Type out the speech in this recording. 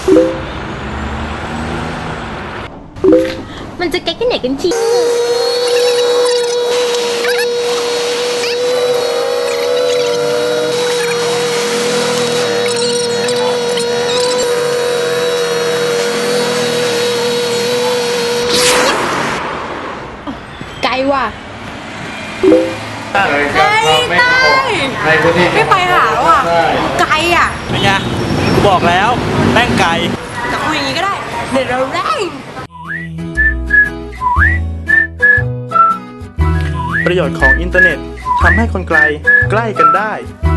มันจะใกล้กันไหนกันทีไกลว่ะไม่ไปหาแล้วอ่ะไกลอ่ะเป็นไงกูบอกแล้วแม่งไกลแต่คุยอย่างนี้ก็ได้เดี๋ยวเราแรงประโยชน์ของอินเทอร์เน็ตทำให้คนไกลใกล้กันได้